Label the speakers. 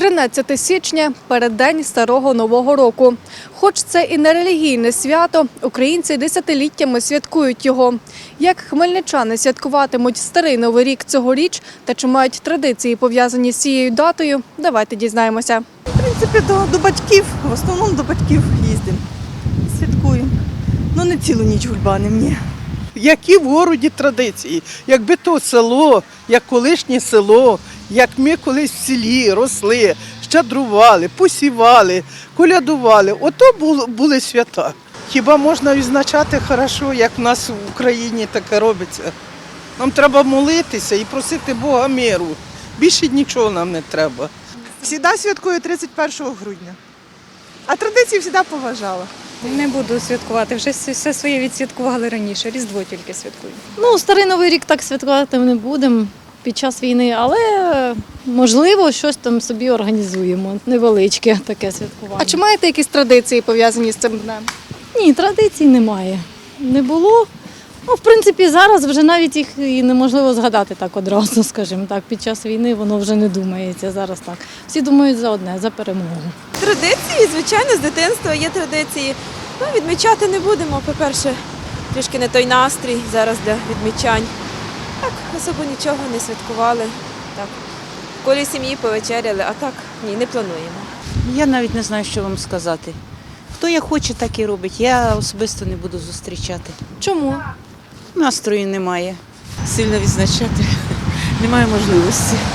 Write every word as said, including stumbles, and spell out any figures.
Speaker 1: тринадцяте січня – переддень Старого Нового року. Хоч це і не релігійне свято, українці десятиліттями святкують його. Як хмельничани святкуватимуть Старий Новий рік цьогоріч та чи мають традиції, пов'язані з цією датою, давайте дізнаємося.
Speaker 2: В принципі, до, до батьків, в основному до батьків їздимо, святкуємо. Ну не цілу ніч гульбанимо, ні.
Speaker 3: Які в городі традиції, якби то село, як колишнє село, як ми колись в селі росли, щедрували, посівали, колядували, ото були, були свята. Хіба можна відзначати хорошо, як в нас в Україні таке робиться? Нам треба молитися і просити Бога миру. Більше нічого нам не треба.
Speaker 2: Всіда святкую тридцять першого грудня, а традиції завжди поважала.
Speaker 4: Не буду святкувати, вже все своє відсвяткували раніше, Різдво тільки святкую. Ну, Старий Новий рік так святкувати не будемо під час війни, але можливо щось там собі організуємо, невеличке таке святкування.
Speaker 1: А чи маєте якісь традиції, пов'язані з цим днем?
Speaker 4: Ні, традицій немає. Не було. Ну, в принципі, зараз вже навіть їх і неможливо згадати так одразу, скажімо так. Під час війни воно вже не думається, зараз так. Всі думають за одне, за перемогу.
Speaker 5: Традиції, звичайно, з дитинства є традиції. Ну, відмічати не будемо, по-перше, трішки не той настрій зараз для відмічань. Так, особо нічого не святкували. Так, в колі сім'ї повечеряли, а так ні, не плануємо.
Speaker 6: Я навіть не знаю, що вам сказати. Хто як хоче, так і робить. Я особисто не буду зустрічати.
Speaker 1: Чому?
Speaker 6: Настрою немає.
Speaker 7: Сильно відзначати немає можливості.